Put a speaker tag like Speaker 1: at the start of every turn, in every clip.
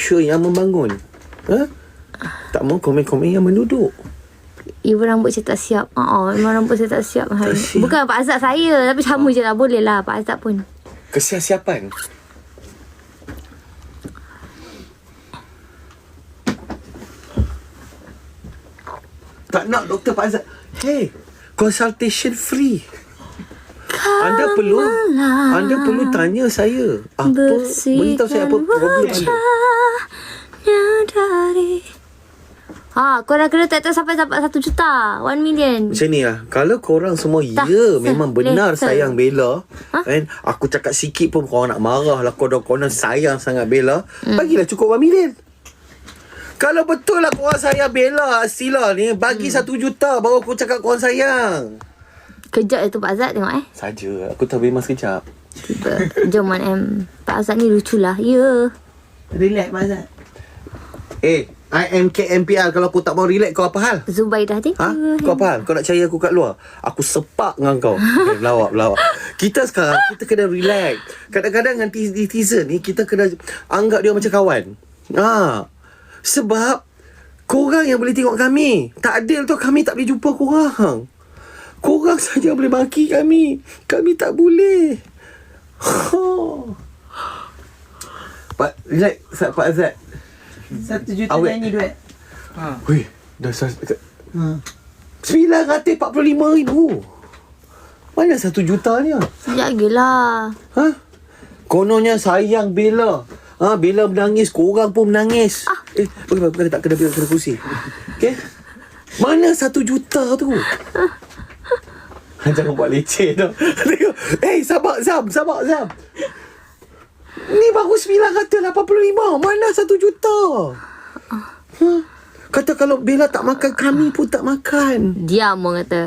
Speaker 1: nature yang membangun. Tak mau komen-komen yang menduduk.
Speaker 2: Ibu rambut saya tak siap. Memang rambut saya tak siap hari ni.
Speaker 1: siap.
Speaker 2: Bukan Pak Azad saya, tapi sama je lah. Boleh lah Pak Azad pun.
Speaker 1: Kesiap-siapan. Tak nak doktor Pak Azad. Hey, consultation free. Anda perlu tanya saya. Beritahu saya apa problem anda.
Speaker 2: Korang kena tak sampai 1 juta, 1 million.
Speaker 1: Macam ni lah. Kalau korang semua memang benar sayang Bella, kan? Aku cakap sikit pun korang nak marah lah. Korang sayang sangat Bella, bagilah cukup 1 million. Kalau betul lah korang sayang Bella, Sila ni, bagi 1 juta baru aku cakap korang sayang.
Speaker 2: Kejap tu Pak Azad tengok
Speaker 1: Saja, aku tak bebas kejap.
Speaker 2: Jom Pak Azad ni lucu lah. Ya.
Speaker 3: Relax Pak Azad.
Speaker 1: I am KMPR. Kalau aku tak mau relax, kau apa hal?
Speaker 2: Zubaidah thank you.
Speaker 1: Kau apa hal? Kau nak cari aku kat luar? Aku sepak dengan kau. Lawak. Kita sekarang, kita kena relax. Kadang-kadang dengan netizen ni, kita kena anggap dia macam kawan. Sebab korang yang boleh tengok kami. Tak adil tu, kami tak boleh jumpa korang. Korang saja boleh maki kami. Kami tak boleh. Relax, Pak Azad.
Speaker 3: 1 juta
Speaker 1: Awet.
Speaker 3: nyanyi duet.
Speaker 1: Weh, dah 945,000. Mana 1 juta ni?
Speaker 2: Sekejap lagi lah.
Speaker 1: Kononnya sayang Bella. Bella menangis, korang pun menangis. Bukan tak kena kursi. Okay? Mana 1 juta tu? Jangan buat leceh tu. Sabar Zam. Ni baru 985. Mana 1 juta? Kata kalau Bella tak makan, kami pun tak makan.
Speaker 2: Diam orang kata.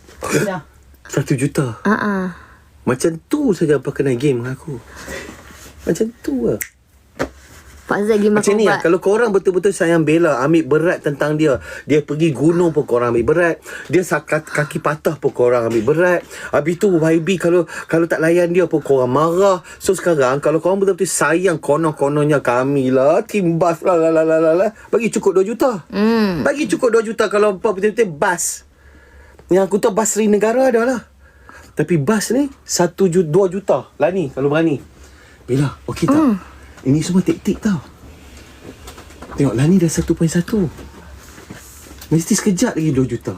Speaker 1: 1 juta. Macam tu saja pakai game dengan aku. Macam tu lah.
Speaker 2: Pak Azad pergi makan
Speaker 1: Macam ni lah.
Speaker 2: ubat.
Speaker 1: Kalau korang betul-betul sayang Bella, ambil berat tentang dia. Dia pergi gunung pun korang ambil berat. Dia kaki patah pun korang ambil berat. Habis tu YB kalau tak layan dia pun korang marah. So sekarang kalau korang betul-betul sayang konon-kononnya kami lah, timbas lah, bagi cukup 2 juta. Bagi cukup 2 juta kalau betul-betul bas. Yang aku tahu bas Seri Negara ada lah. Tapi bas ni 2 juta. Lani kalau berani. Bella, okey tak? Ini semua taktik tau. Tengok Lani dah 1.1. Mesti sekejap lagi 2 juta.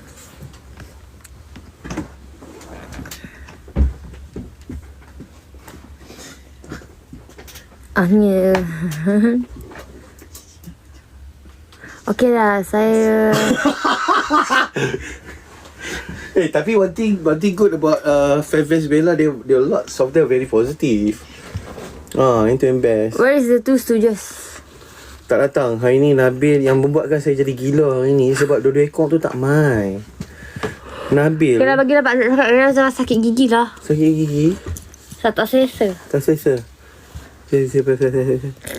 Speaker 2: Ya. Okey lah, saya
Speaker 1: Tapi one thing good about Fanfest Bella, they lots of them very positive. Itu yang best.
Speaker 2: Where is the 2 Stooges?
Speaker 1: Tak datang. Hari ni Nabil yang membuatkan saya jadi gila hari ni. Sebab dua-dua ekor tu tak main. Nabil
Speaker 2: Kena bagilah Pak Azad cakap. Dia sakit gigi lah.
Speaker 1: sakit gigi.
Speaker 2: Saya tak selesa.
Speaker 1: Tak selesa. Selesa.